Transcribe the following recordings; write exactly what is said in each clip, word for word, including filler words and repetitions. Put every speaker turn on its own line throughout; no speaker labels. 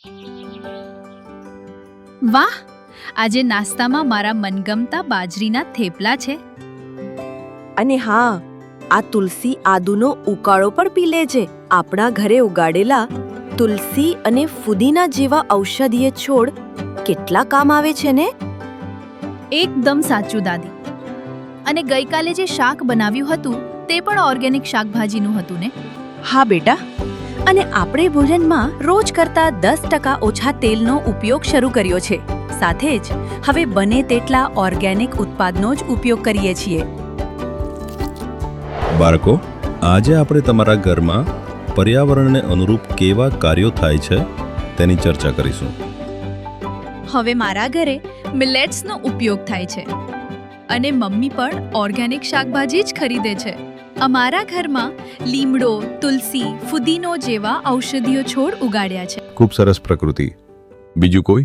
વાહ, આજે નાસ્તામાં મારા મનગમતા બાજરીના થેપલા છે.
અને હા, આ તુલસી આદુનો ઉકાળો પણ પી લેજે. આપણા ઘરે ઉગાડેલા તુલસી અને ફુદીના જેવા ઔષધીય છોડ કેટલા કામ આવે છે ને.
એકદમ સાચું દાદી. અને ગઈકાલે જે શાક બનાવ્યું હતું તે પણ ઓર્ગેનિક શાકભાજીનું હતું ને?
હા બેટા, અને આપણે ભોજનમાં રોજ કરતા દસ ટકા ઓછા તેલનો ઉપયોગ શરૂ કર્યો છે. સાથે જ હવે બને તેટલા ઓર્ગેનિક ઉત્પાદનો જ ઉપયોગ કરીએ છીએ.
બાળકો, આજે આપણે તમારા ઘરમાં પર્યાવરણને અનુરૂપ કેવા કાર્યો થાય છે તેની ચર્ચા કરીશું.
હવે મારા ઘરે મિલેટ્સનો ઉપયોગ થાય છે અને મમ્મી પણ ઓર્ગેનિક શાકભાજી જ ખરીદે છે. અમારા ઘરમાં લીમડો, તુલસી, ફુદીનો જેવા ઔષધીય છોડ ઉગાડ્યા છે.
ખૂબ સરસ પ્રકૃતિ. બીજું કોઈ?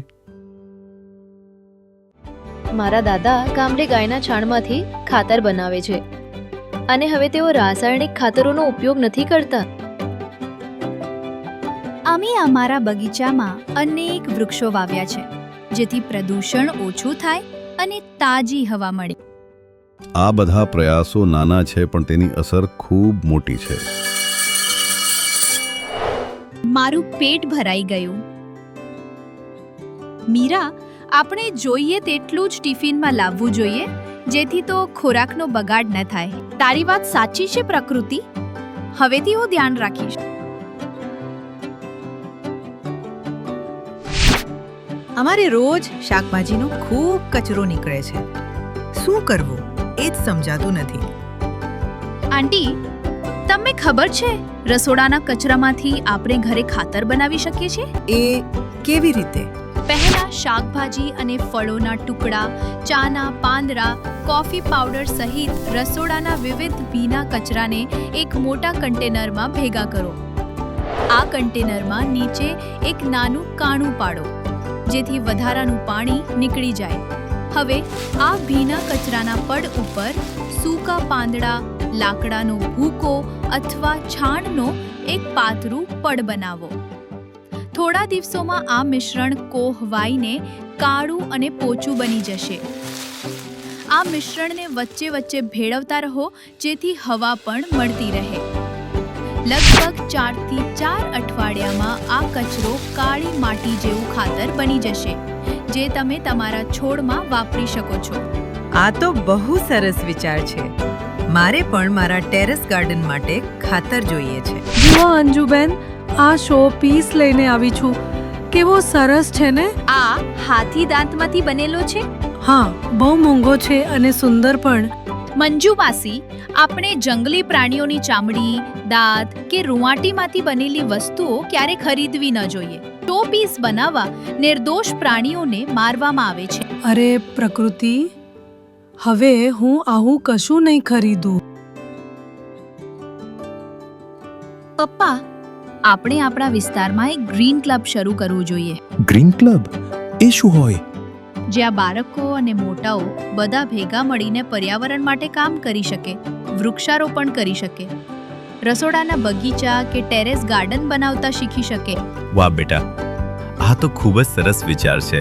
મારા દાદા ગામડે ગાયના છાણમાંથી ખાતર બનાવે છે અને હવે તેઓ રાસાયણિક ખાતરોનો ઉપયોગ નથી કરતા.
અમે અમારા બગીચામાં અનેક વૃક્ષો વાવ્યા છે જેથી પ્રદૂષણ ઓછું થાય અને તાજી હવા મળે.
આ બધા પ્રયાસો નાના છે પણ તેની અસર ખૂબ મોટી છે.
મારું પેટ ભરાઈ ગયું. મીરા, આપણે જોઈએ તેટલું જ ટિફિનમાં લાવવું જોઈએ જેથી તો ખોરાકનો બગાડ ન થાય. તારી વાત સાચી છે પ્રકૃતિ. હવેથી હું ધ્યાન રાખીશ.
અમારે રોજ શાકભાજીનો ખૂબ કચરો નીકળે છે. શું કરવું એ જ સમજાતું નથી.
આંટી, તમને ખબર છે રસોડાના કચરામાંથી આપણે ઘરે ખાતર બનાવી શકીએ છીએ?
એ કેવી રીતે?
પહેલા શાકભાજી અને ફળોના ટુકડા, ચાના પાંદડા, કોફી પાવડર સહિત રસોડાના વિવિધ ભીના કચરાને એક મોટા કન્ટેનરમાં ભેગા કરો. આ કન્ટેનરમાં નીચે એક નાનું કાણું પાડો જેથી વધારાનું પાણી નીકળી જાય. હવે આ ભીના કચરાના પડ ઉપર સૂકા પાંદડા, લાકડાનો ભૂકો અથવા છાણનો એક પાતળું પડ બનાવો. થોડા દિવસોમાં આ મિશ્રણ કોહવાઈને કાળું અને પોચું બની જશે. આ મિશ્રણને વચ્ચે વચ્ચે ભેળવતા રહો જેથી હવા પણ મળતી રહે. લગભગ ચારથી ચાર અઠવાડિયામાં આ કચરો કાળી માટી જેવું ખાતર બની જશે જે તમે તમારા છોડમાં વાપરી શકો છો.
આ તો બહુ સરસ વિચાર છે. મારે પણ મારા ટેરેસ ગાર્ડન માટે ખાતર જોઈએ છે.
જુઓ અંજુબેન, આ શો પીસ લઈને આવી છું. કેવો સરસ છે ને?
આ હાથી દાંતમાંથી બનેલો છે?
હા, બહુ મોંઘો છે અને સુંદર પણ.
મંજુ માસી, આપણે જંગલી પ્રાણીઓની ચામડી, દાંત કે રૂંવાટીમાંથી બનેલી વસ્તુઓ ક્યારે ખરીદવી ન જોઈએ. શો પીસ બનાવવા નિર્દોષ પ્રાણીઓને મારવામાં આવે છે.
અરે પ્રકૃતિ, હવે હું આવું કશું નહીં ખરીદું.
પપ્પા, આપણે આપણા વિસ્તારમાં એક ગ્રીન ક્લબ શરૂ કરવું જોઈએ.
ગ્રીન ક્લબ એ શું હોય?
જ્યાં બાળકો અને મોટાઓ બધા ભેગા મળીને પર્યાવરણ માટે કામ કરી શકે, વૃક્ષારોપણ કરી શકે, રસોડાના બગીચા કે ટેરેસ ગાર્ડન બનાવતા શીખી શકે.
વાહ બેટા, આ તો ખૂબ જ સરસ વિચાર છે.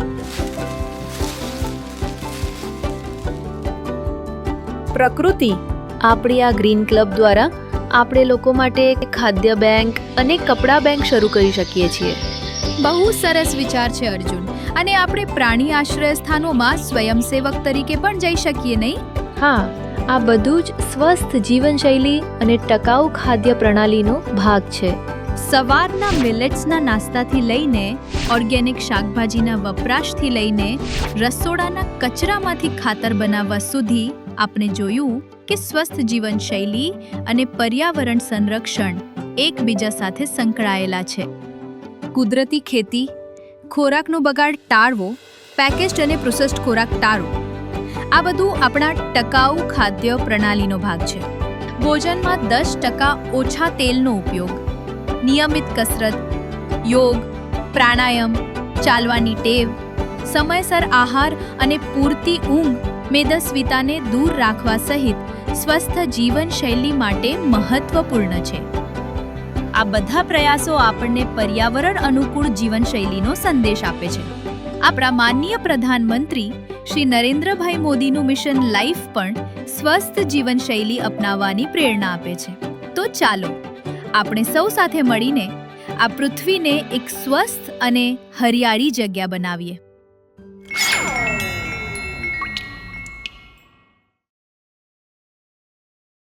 પ્રકૃતિ, આપણી આ ગ્રીન ક્લબ દ્વારા આપણે લોકો માટે એક ખાદ્ય બેંક અને કપડા બેંક શરૂ કરી શકીએ છીએ.
બહુ સરસ વિચાર છે અર્જુન. અને આપણે પ્રાણી આશ્રય સ્થાનોમાં સ્વયંસેવક તરીકે પણ જઈ શકીએ, નહીં?
હા, આ બધું જ સ્વસ્થ જીવનશૈલી અને ટકાઉ ખાદ્ય પ્રણાલીનો ભાગ છે.
સવારના મિલેટ્સના નાસ્તાથી લઈને ઓર્ગેનિક શાકભાજીના વપરાશથી લઈને રસોડાના કચરામાંથી ખાતર બનાવવા સુધી આપણે જોયું કે સ્વસ્થ જીવનશૈલી અને પર્યાવરણ સંરક્ષણ એકબીજા સાથે સંકળાયેલા છે. કુદરતી ખેતી, ખોરાકનો બગાડ ટાળવો, પેકેજ્ડ અને પ્રોસેસ્ડ ખોરાક ટાળવો, આ બધું આપણા ટકાઉ ખાદ્ય પ્રણાલીનો ભાગ છે. ભોજનમાં દસ ટકા ઓછા તેલનો ઉપયોગ, નિયમિત કસરત, યોગ, પ્રાણાયામ, ચાલવાની ટેવ, સમયસર આહાર અને પૂરતી ઊંઘ મેદસ્વીતાને દૂર રાખવા સહિત સ્વસ્થ જીવનશૈલી માટે મહત્વપૂર્ણ છે. આ બધા પ્રયાસો આપણને પર્યાવરણ અનુકૂળ જીવનશૈલીનો સંદેશ આપે છે. આપણા માનનીય પ્રધાનમંત્રી શ્રી નરેન્દ્રભાઈ મોદીનું મિશન લાઈફ પણ સ્વસ્થ જીવનશૈલી અપનાવવાની પ્રેરણા આપે છે. તો ચાલો આપણે સૌ સાથે મળીને આ પૃથ્વીને એક સ્વસ્થ અને હરિયાળી જગ્યા બનાવીએ.